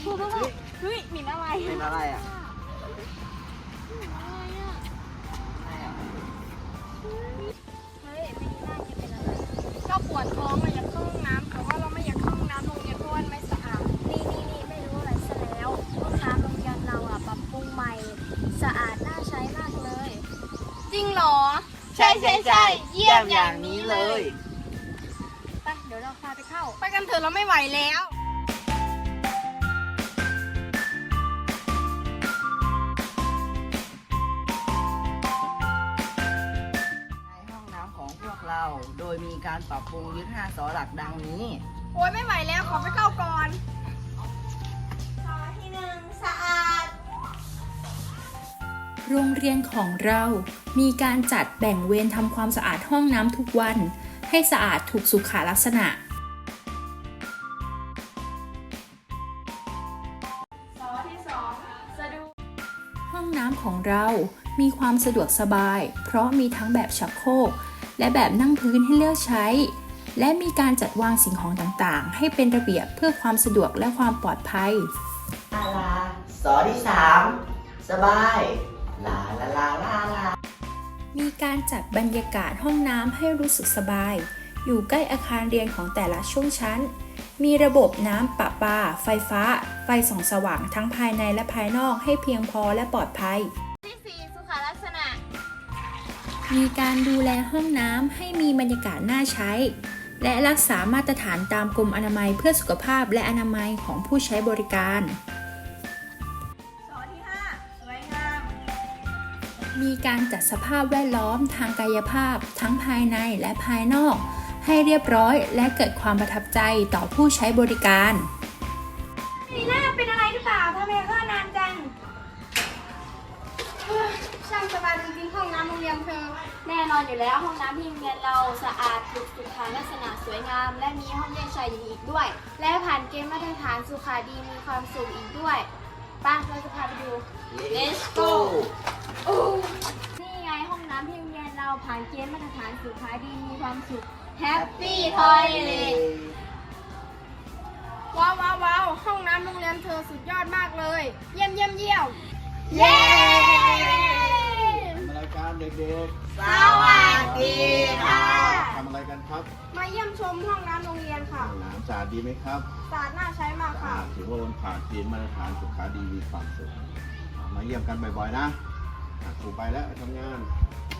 เฮ้ยหมิ่นอะไรเป็นอะไรอ่ะเฮ้ยไม่น่าจะเป็นอะไรก็ปวดท้องอะอยากเข้าห้องน้ำแต่ว่าเราไม่อยากเข้าห้องน้ำโรงเรียนเพราะว่ามันไม่สะอาดนี่ไม่รู้อะไรซะแล้วห้องน้ำโรงเรียนเราอะปรับปรุงใหม่สะอาดน่าใช้มากเลย จริงเหรอใช่เยี่ยมอย่างนี้เลยไปเดี๋ยวเราพาไปเข้าไปกันเถอะเราไม่ไหวแล้วในห้องน้ำของพวกเราโดยมีการปรับปรุงยึด5 สอหลักดังนี้โอ๊ยไม่ไหวแล้วขอไปเข้าก่อนโรงเรียนของเรามีการจัดแบ่งเวรทำความสะอาดห้องน้ำทุกวัน ให้สะอาดถูกสุขลักษณะ ห้องน้ำของเรามีความสะดวกสบาย เพราะมีทั้งแบบชักโครกและแบบนั่งพื้นให้เลือกใช้ และมีการจัดวางสิ่งของต่างๆ ให้เป็นระเบียบเพื่อความสะดวกและความปลอดภัยสอที่ 3 สบายลาลาลาลาลามีการจัดบรรยากาศห้องน้ำให้รู้สึกสบาย อยู่ใกล้อาคารเรียนของแต่ละช่วงชั้น มีระบบน้ำประปา ไฟฟ้า ไฟส่องสว่างทั้งภายในและภายนอกให้เพียงพอและปลอดภัยที่4สุขลักษณะมีการดูแลห้องน้ำให้มีบรรยากาศน่าใช้ และรักษามาตรฐานตามกรมอนามัยเพื่อสุขภาพและอนามัยของผู้ใช้บริการสอที่ 5 สวยงามมีการจัดสภาพแวดล้อมทางกายภาพทั้งภายในและภายนอก ให้เรียบร้อยและเกิดความประทับใจต่อผู้ใช้บริการนีน่าเป็นอะไรหรือเปล่าทำไมเข้านานจังเฮ้ยช่างสบายจริงๆห้องน้ำโรงเรียนเธอ แน่นอนอยู่แล้วห้องน้ำที่โรงเรียนเราสะอาดถูกสุขลักษณะสวยงาม และมีห้องแยกชายหญิงอีกด้วย และผ่านเกณฑ์มาตรฐานสุขาดีมีความสุขอีกด้วยไป่ะเราจะพาไปดู Let's go นี่ไงห้องน้ำที่โรงเรียนเราผ่านเกณฑ์มาตรฐานสุขาดีมีความสุข Happy Toilet ว้าวห้องน้ำโรงเรียนเธอสุดยอดมากเลย เยี่ยมเย้ทำอะไรกันเด็กสวัสดีค่ะๆทำอะไรกันครับมาเยี่ยมชมห้องน้ำโรงเรียนค่ะห้องน้ำสะอาดดีไหมครับสะอาดน่าใช้มากสะค่ะอาดถือว่ามันผ่านเกณฑ์มาตรฐานสุขาดีมีความสุขมาเยี่ยมกันบ่อยๆนะครูไปแล้วไปทำงาน